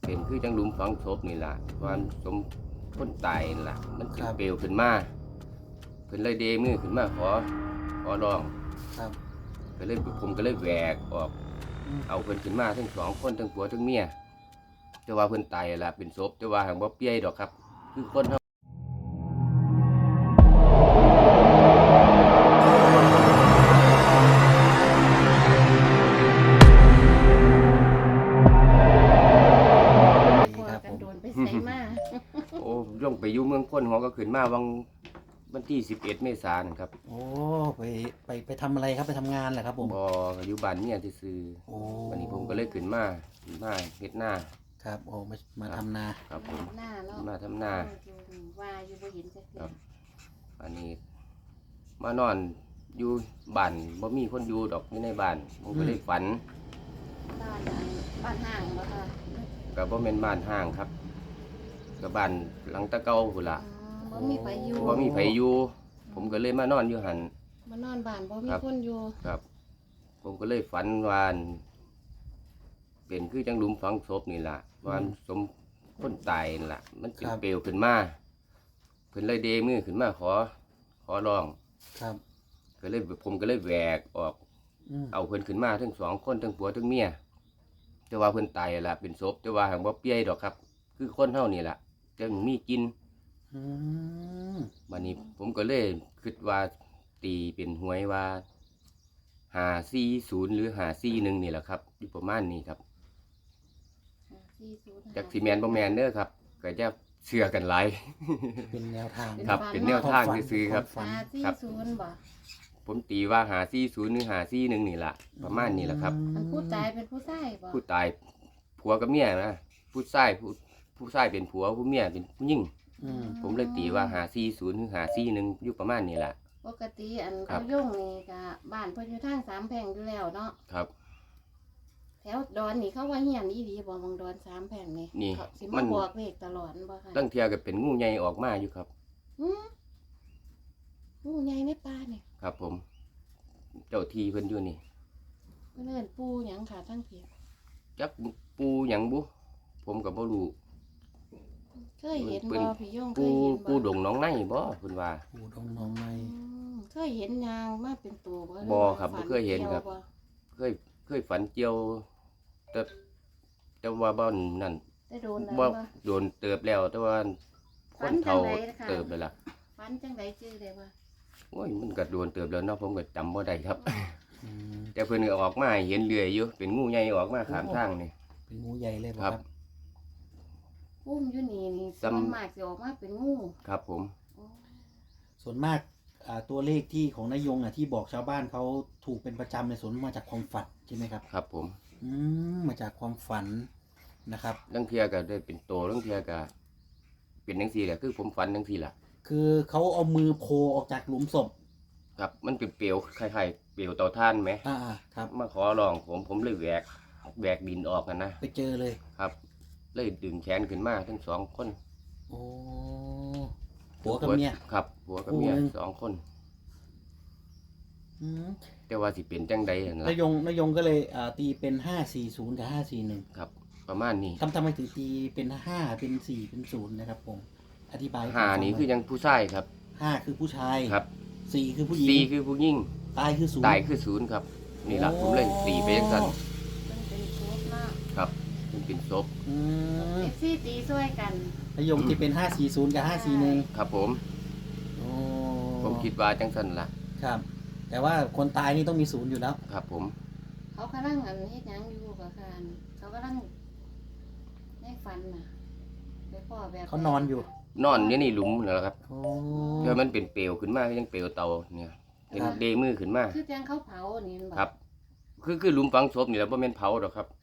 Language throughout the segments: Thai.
เป็นคือจังหลุมฝังศพนี่ล่ะความสมคนตายนี่ล่ะมันสิเปลวขึ้นมาเพิ่นเลยเดมือขึ้นมาขอร้องครับก็เลยผมก็เลยแหวกออกเอาเพิ่นขึ้นมาทั้งสองคนทั้งผัวทั้งเมียแต่ว่าเพิ่นตายล่ะเป็นศพแต่ว่าหังบ่เปียดอกครับคือคนเฮาใส่มาโอ้ย่องไปอยู่เมืองพ้นหัวก็ขึ้นมาวันที่11 เมษายนครับโอ้ไปทำอะไรครับไปทำงานเหรอครับผมบ่อยู่บ้านเมียซื่อโอ้วันนี้ผมก็เลยขึ้นมาเฮ็ดนาครับโอ้มาทำนาครับผมหน้าเนาะมาทำนาว่าอยู่บ่เห็นจักเทื่ออันนี้มานอนอยู่บ้านบ่มีคนอยู่ดอกอยู่ในบ้านผมก็เลยฝันบ้านห้างบ่ค่ะก็บ่แม่นบ้านห้างครับก็บ้านหลังตะเก่าพุ่นล่ะบ่มีไผอยู่บ่มีไผอยู่ผมก็เลยมานอนอยู่หั่นมานอนบ้านบ่มีคนอยู่ครับผมก็เลยฝันว่าเป็นคือจังหลุมฝังศพนี่ล่ะว่าสมคนตายนี่ล่ะมันสิเปลวขึ้นมาเพิ่นเลยเดมือขึ้นมาขอร้องครับก็เลยผมก็เลยแหวกออกเอาเพิ่นขึ้นมาทั้งสองคนทั้งผัวทั้งเมียแต่ว่าเพิ่นตายล่ะเป็นศพแต่ว่าหังบ่เปียดอกครับคือคนเฮานี่ล่ะจังมีกินวันนี้ผมก็เลยคิดว่าตีเป็นหวยว่า540หรือ541นี่แหละครับอยู่ประมาณนี้ครับจากสิแมนบ่แมนเด้อครับก็จะเชื่อกันหลายเป็นแนวทางครับเป็นแนวทางซื่อๆครับ 540บ่ผมตีว่า540หรือ541นี่ล่ะประมาณนี้แหละครับผู้ตายเป็นผู้ชายบ่ผู้ตายผัวกับเมียนะผู้ชายเป็นผัวผู้เมียเป็นผู้หญิงผมเลยตีว่า540หรือ541อยู่ประมาณนี้ล่ะปกติอันเขาย่งนี่ก็บ้านเพิ่นอยู่ทางสามแพร่งอยู่แล้วเนาะครับแถวดอนนี่เขาว่าเฮียนอีหลีบ่มองดอนสามแพร่งนี่สิมาบอกเลขตลอดบ่ค่ะตั้งเที่ยก็เป็นงูใหญ่ออกมาอยู่ครับงูใหญ่ในป่านี่ครับผมเจ้าที่เพิ่นอยู่นี่เพิ่นเอิ้นปูหยังค่ะทั้งเพียจักปูหยังบุผมก็บ่รู้เคยเห็นบ่พี่ย่งเคยเห็นบ่ปูดงน้องในบ่เพิ่นว่าปูดงน้องในเคยเห็นยางมาเป็นตัวบ่ครับบ่เคยเห็นครับเคยฝันเกี่ยวแต่ว่าบ่นั่นบ่โดนเติบแล้วแต่ว่าคนเฒ่าเติบเลยล่ะฝันจังได๋ชื่อได้ว่าโอ้ยมันก็โดนเติบแล้วเนาะผมก็จำบ่ได้ครับแต่เพิ่นก็ออกมาเห็นเรื่อยอยู่เป็นงูใหญ่ออกมาข้ามทางนี่เป็นงูใหญ่เลยครับอุ้มอยู่นี่ส่วนมากสิออกมาเป็นงูครับผมส่วนมากตัวเลขที่ของนายยงที่บอกชาวบ้านเขาถูกเป็นประจำในส่วนมาจากความฝันใช่ไหมครับครับผมมาจากความฝันนะครับลังเทียก็ได้เป็นโตลังเทียก็เป็นจังซี่แหละคือผมฝันจังซี่ล่ะคือเขาเอามือโผล่ออกจากหลุมศพครับมันเป็นเปลวคล้ายๆเปลวเตาถ่านไหมครับมาขอร้องผมเลยแหวกดินออกกันนะไปเจอเลยครับเลยดึงแขนขึ้นมาทั้งสองคนโอ้ผัวกับเมียครับผัวกับเมีย2 คนแต่ว่าสิเป็นจังใดนั่นล่ะนายยงก็เลยตีเป็น540กับ541 ครับประมาณนี้ทำไมถึงตีเป็น5เป็น4เป็น0นะครับผมอธิบาย 5นี่คือยังผู้ชายครับ 5คือผู้ชายครับ 4คือผู้หญิง 4คือผู้หญิงตายคือ 0ครับนี่ล่ะผมเลยตีไปจังซั่นครับมันเป็นศพซี่ตีช่วยกันนายยงที่เป็น540กับ541 ครับผมผมคิดว่าจังซั่นล่ะครับแต่ว่าคนตายนี่ต้องมี0อยู่แล้วครับผมเขากำลังเฮ็ดหยังอยู่กับการเขากำลังในฝันน่ะไปพ่อแบบเขานอนอยู่นี่หลุมเหรอครับเดี๋ยวมันเป็นเปลวขึ้นมายังเปลวเตาเนี่ยเป็นเดมือขึ้นมาคือจังเขาเผานี่ครับคือหลุมฝังศพนี่แหละบ่แม่นเผาดอกครับ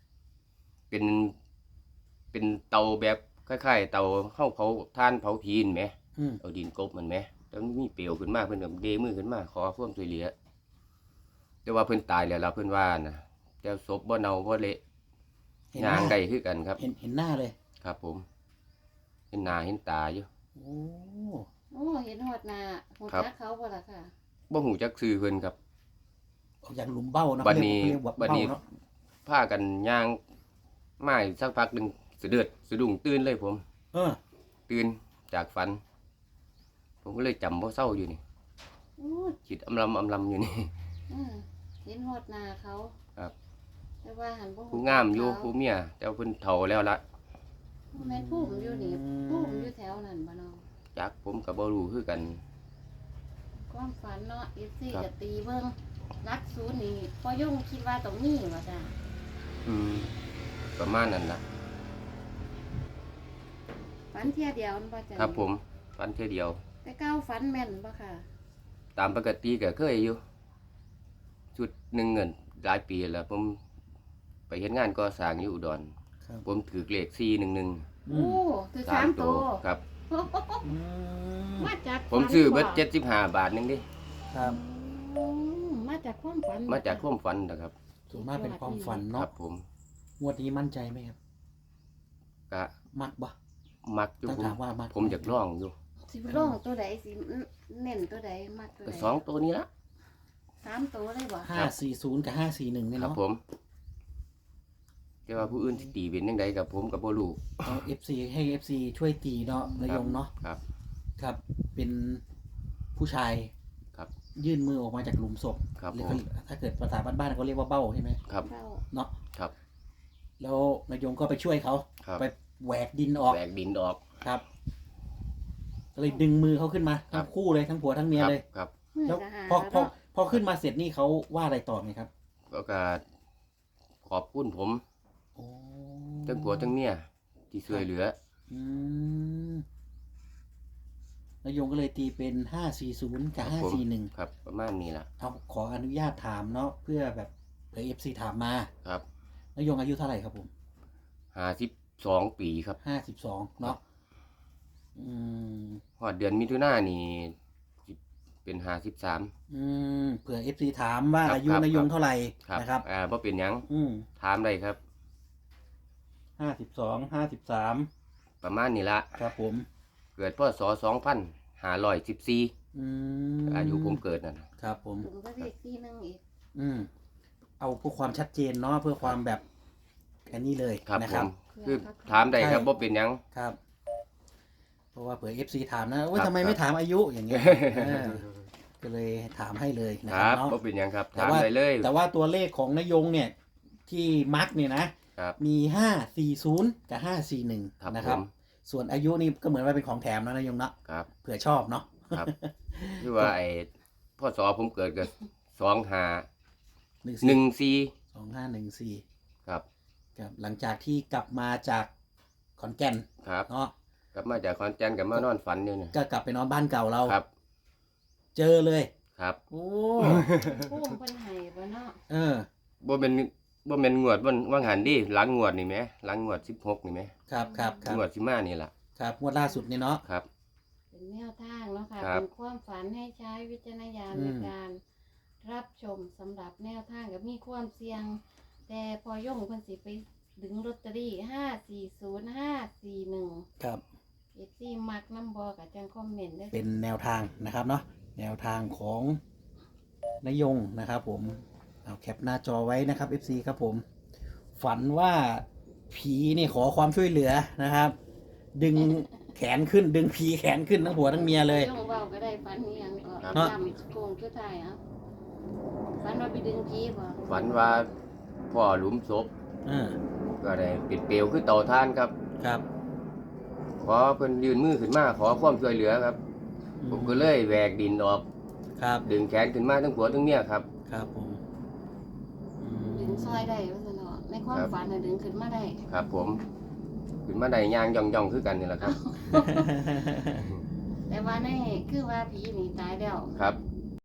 เป็นเตาแบบคล้ายๆเตาเข้าเผาถ่านเผาผีนแหมเอาดินกบมันแหมแล้วมีเปลวขึ้นมาเพิ่นก็เดมือขึ้นมาขอความช่วยเหลือแต่ว่าเพิ่นตายแล้วล่ะเพิ่นว่านะแต่ศพบ่เน่าบ่เละย่างได้คือกันครับเห็นหน้าเลยครับผมเห็นหน้าเห็นตาอยู่โอ้เห็นฮอดหน้าฮู้จักเขาบ่ล่ะค่ะบ่ฮู้จักชื่อเพิ่นครับออกจากหลุมเบ้าเนาะบัดนี้พากันย่างมาสักพักนึงสะดุ้งตื่นเลยผมเออตื่นจากฝัน ผมก็เลยจำบ่เศร้าอยู่นี่โอ้ยจิตอำลำอยู่นี่เห็นฮอดหน้าเขาครับแต่ว่าหันบ่ฮู้ผู้งามอยู่จักผู้เมียแต่ว่าเพิ่นเฒ่าแล้วละเขาแม่นผู้ผมอยู่นี่ผู้ผมอยู่แถวนั้นบ่เนาะจักผมก็บ่รู้คือกันความฝันเนาะ FC ครับก็ตีเบิ่งรักศูนย์นี่พอยงคิดว่าต้องมีว่าจ้ะอืมประมาณนั้นล่ะฝันเที่ยเดียวนั่นบ่จ้ะครับผมฝันเท่อเดียวแต่เก้าฝันแม่นบ่ค่ะตามปกติก็เคยอยู่ชุดหนึ่งเงินหลายปีแล้ว ผมไปเฮ็ดงานก่อสร้างอยู่อุดรครับผมถือเลข411 อืโอ้มคือสามตัวครับอืมมาจากผมซื้อเบิดฝัน 75 บาทนึงดิครับอืมมาจากความฝันมาจากความฝันนะครับส่วนมากเป็นความฝันคเนาะรับผมงวดนี้มั่นใจไหมครับก็มักบ่มักอยู่ต้องผมถามว่ามักผมอยากร้องอยู่สิบร้องตัวใดสิเน้นตัวใดมากตัวก็ใดสองตัวนี้ละสามตัวเลยบ่ 540กับ541เนี่ยครับเนาะผมแต่ว่าผู้อื่นสิตีเป็นจังไดกับผมก็บ่รู้เอา FC ให้ FC ช่วยตีเนาะนายงเนาะครับครับ เป็นผู้ชายครับยื่นมือออกมาจากหลุมศพครับหรือผมถ้าเกิดภาษาบ้านๆเขาเรียกว่าเบ้าใช่ไหมครับเก้าเนาะครับแล้วนายงก็ไปช่วยเขาครับไปแหวกดินออกแบกดินออกครับก็เลยดึงมือเขาขึ้นมาครัทั้บงคู่เลยทั้งผัวทั้งเมียครับเลยครับแล้วก็หาพอขึ้นมาเสร็จนี่เขาว่าอะไรต่อไหมครับก็ขอบคุณผมโอ้ทั้งผัวทั้งเมียที่ช่วยเหลืออืมนายงก็เลยตีเป็น540กับครับผม 541 ครับ ประมาณนี้ล่ะเอาขออนุญาตถามเนาะเพื่อแบบเผื่อ FC ถามมาครับนายงอายุเท่าไหร่ครับผม 52 ปีครับ 52เนาะอืมฮอดเดือนมิถุนายนนี่สิเป็น53 เผื่อ FC ถามว่าครับอายุครับนายงเท่าไหร่ครับนะครับบ่เป็นหยังอืมถามได้ครับ 52 53 ประมาณนี้ละครับผมเกิดพศ2514 อืมอายุผมเกิดนั่นน่ะครับผมผมก็เรียกที่นึงอีกเอาเพื่อความชัดเจนเนาะเพื่อความแบบอันนี้เลยครับนะผครับมคือถามได้ครับใช่บ่เป็นหยังครับ เพราะว่าเผื่อ FC ถามนะว่าครับทำไมครับไม่ถามอายุอย่างเงี้ยก็เลยถามให้เลยนะคครัรับบเนาะบ่เป็นหยังครับแต่ถามว่าได้เลยแต่ว่าตัวเลขของนายงเนี่ย ที่มาร์กเนี่ยนะครับ มี540กับ541 ครับนะผครับมส่วนอายุนี่ก็เหมือนว่าเป็นของแถมนะนายงเนาะครับเผื่อชอบเนาะครับ คือว่าไอ้พศผมเกิดก็2514 2514 ครับครับหลังจากที่กลับมาจากขอนแก่นครับเนาะกลับมาจากขอนแก่นกับมานอนฝันอยู่เนี่ยก็กลับไปนอนบ้านเก่าเราครับเจอเลยครับโอ้พุ่มเป็นไห้บ่เนาะเออบ่แม่นงวดว่างหันดิหลังงวดนี่แหมหลังงวด16นี่แหมครับครับครับงวดสิมานี่ล่ะครับงวดล่าสุดนี่เนาะครับเป็นแนวทางเนาะค่ะครับเป็นความฝันให้ใช้วิจารณญาณอืมในการรับชมสำหรับแนวทางกับมีความเสี่ยง แต่พอย่งเพิ่นสิไปดึงลอตเตอรี่540 541 ครับ FC มักน้ำบอกกับจังคอมเมนต์ได้เป็นแนวทางนะครับเนาะแนวทางของนายงนะครับผมเอาแคปหน้าจอไว้นะครับ FC ครับผม ฝันว่าผีนี่ขอความช่วยเหลือนะครับ ดึงแขนขึ้นดึงผีแขนขึ้นทั้งผัวทั้งเมียเลยย่งเว้าก็ได้ฝันนี้ยังก็ครับจำโกงคือไทายอ่ะฝันว่าไปดึงผีบ่ฝันว่าพ่อหลุมศพอ่าก็ได้ปิดเปลวคือเตาถ่านครับครับขอเพิ่นยื่นมือขึ้นมาขอความช่วยเหลือครับ ผมก็เลยแหวกดินออกครับดึงแขนขึ้นมาทั้งผัวทั้งเมียครับครับผมดึงซอยได้ว่าซั่นเนาะในความครับฝันน่ะดึงขึ้นมาได้ครับ ผมขึ้นมาได้ย่างย่องคือกันนี่แหละครับแต่ว่าในคือว่าผีนี่ตายแล้วครับ